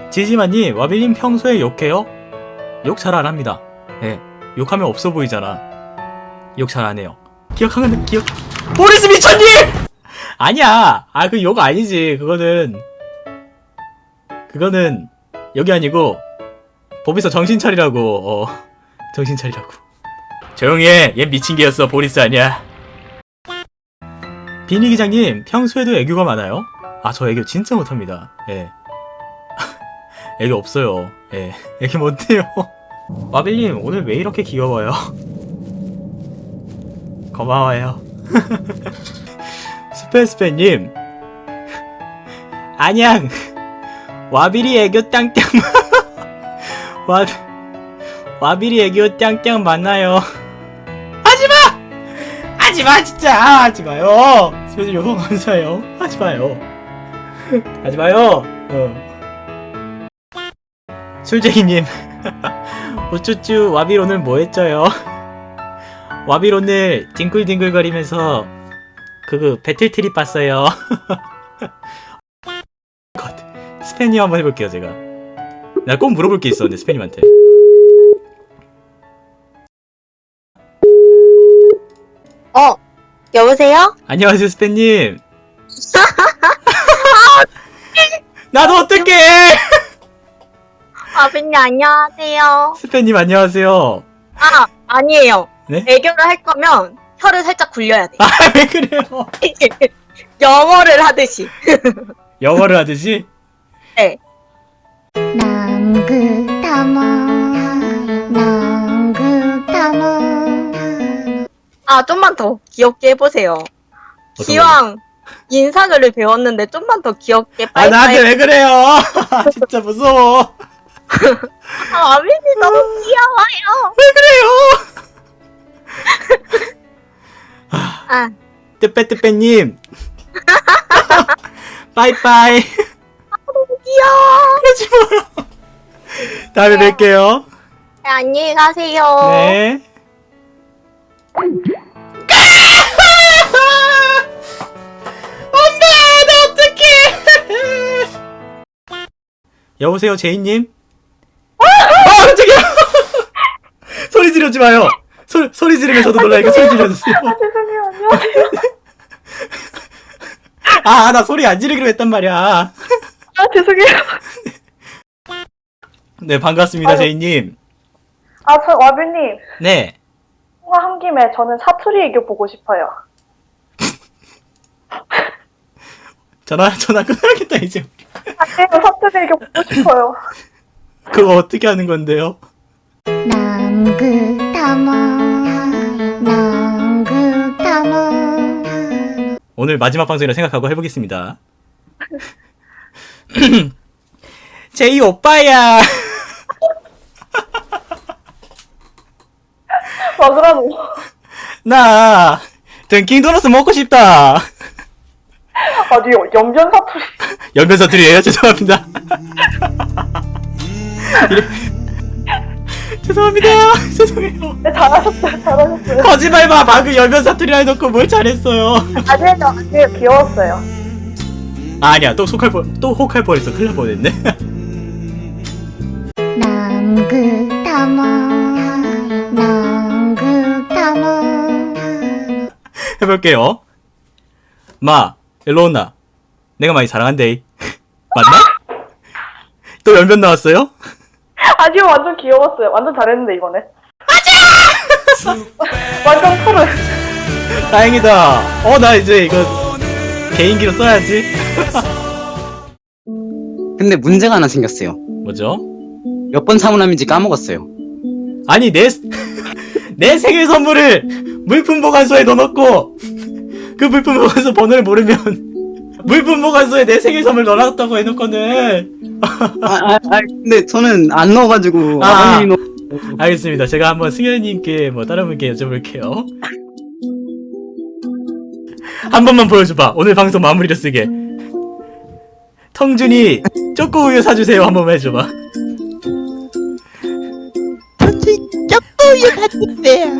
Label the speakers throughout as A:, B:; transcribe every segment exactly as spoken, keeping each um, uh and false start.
A: 지지마님, 와빌님 평소에 욕해요? 욕 잘 안 합니다. 예, 욕하면 없어 보이잖아. 욕 잘 안 해요. 기억하면 기억. 보리스 미쳤니? 아니야. 아, 그 욕 아니지. 그거는 그거는 여기 아니고 법에서 정신 차리라고. 어, 정신 차리라고. 조용히 해. 얘 미친 개였어. 보리스 아니야. 비니 기장님, 평소에도 애교가 많아요? 아, 저 애교 진짜 못합니다. 예. 애교 없어요. 예. 애교 못해요. 와빌님, 오늘 왜 이렇게 귀여워요? 고마워요. 스페스페님, 안녕. 와빌이 애교 땅땅. 와, 와빌이 애교 땅땅 만나요. 하지마! 하지마, 진짜! 하지마요! 스페스 요거 감사해요. 하지마요. 하지마요. 어. 술쟁이님, 우쭈쭈, 와빌 오늘 뭐 했죠요? 와빌 오늘 뒹굴뒹굴거리면서 그 배틀트립 봤어요. 컷. 스페님 한번 해볼게요. 제가 나 꼭 물어볼 게 있어. 근데 스페님한테.
B: 어, 여보세요?
A: 안녕하세요, 스페님. 나도 어떡해.
B: 아버님 안녕하세요.
A: 스페님 안녕하세요.
B: 아, 아니에요.
A: 네?
B: 애교를 할 거면 혀를 살짝 굴려야 돼.
A: 아, 왜 그래요?
B: 영어를 하듯이.
A: 영어를 하듯이?
B: 네.
C: 남극타모 남극타모.
B: 아, 좀만 더 귀엽게 해보세요. 기왕 인사글을 배웠는데 좀만 더 귀엽게
A: 아,
B: 빨리.
A: 나한테 왜 그래요? 진짜 무서워.
B: 아, 아버님 너무 귀여워요.
A: 왜 그래요?
B: 아,
A: 뜨빼뜨빼님. 빠이빠이.
B: 너무 귀여워.
A: 그러지 마요. 다음에
B: 네.
A: 뵐게요.
B: 네, 안녕히 가세요.
A: 네. 엄마, 나 어떡해. 여보세요, 제이님? 아, 깜짝이야. 소리 지르지 마요. 소, 소리 지르면 저도 놀라니까 소리 지르주세요.
B: 죄송해요. 안녕하세요.
A: 아, 나 소리 안 지르기로 했단 말이야.
B: 아, 죄송해요.
A: 네, 반갑습니다, 제이님.
D: 아, 저 와빌님,
A: 네.
D: 통화 한 김에 저는 사투리 애교 보고 싶어요.
A: 전화, 전화 끊어야겠다, 이제.
D: 아, 네, 사투리 애교 보고 싶어요.
A: 그거 어떻게 하는 건데요?
C: 남극타모 남극타모.
A: 오늘 마지막 방송이라 생각하고 해보겠습니다. 제이 오빠야.
D: 맞으라고.
A: 나 던킨 도너스 먹고 싶다.
D: 아니, 연변 사투리.
A: 연변 사투리예요? 죄송합니다. 이래... 죄송합니다. 죄송해요.
D: 네, 잘하셨어요, 잘하셨어요.
A: 거짓말 마. 방금 연변 사투리라 해놓고 뭘 잘했어요.
D: 아니에요, 아니에요, 귀여웠어요.
A: 아, 아니야. 또 속할 뻔, 또 혹할 뻔했어. 큰일 날 뻔했네.
C: 남극타모 남극타모.
A: 해볼게요. 마, 일로 온나. 내가 많이 사랑한대. 맞나? 또 연변 나왔어요?
D: 아니요, 완전 귀여웠어요. 완전 잘했는데, 이번에. 맞아! 완전 프로.
A: 다행이다. 어, 나 이제 이거 개인기로 써야지.
E: 근데 문제가 하나 생겼어요.
A: 뭐죠?
E: 몇 번 사문함인지 까먹었어요.
A: 아니, 내, 내 생일 선물을 물품 보관소에 넣어놓고, 그 물품 보관소 번호를 모르면, 물품 보관소에 내 생일 선물 넣어놨다고 해놓고는.
E: 아, 아, 아, 근데 저는 안 넣어가지고.
A: 아.
E: 아버님이 넣...
A: 알겠습니다. 제가 한번 승현님께 뭐 다른 분께 여쭤볼게요. 한 번만 보여줘봐. 오늘 방송 마무리로 쓰게. 텅준이 초코우유 사주세요. 한 번만 해줘봐.
F: ton지 초코우유 사주세요.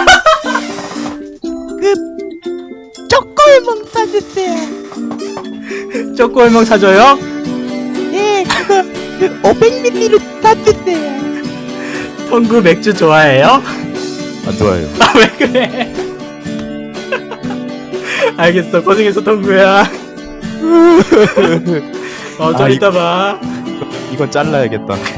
F: 그 초코우유 사주세요.
A: 초코우유 사줘요?
F: 네, 그거 오백 밀리리터로 사주세요.
A: 텅구 맥주 좋아해요?
G: 안 좋아해요.
A: 아 왜 그래? 알겠어 고생했어 텅구야. 어 좀
G: 아,
A: 이따 봐.
G: 이건 잘라야겠다.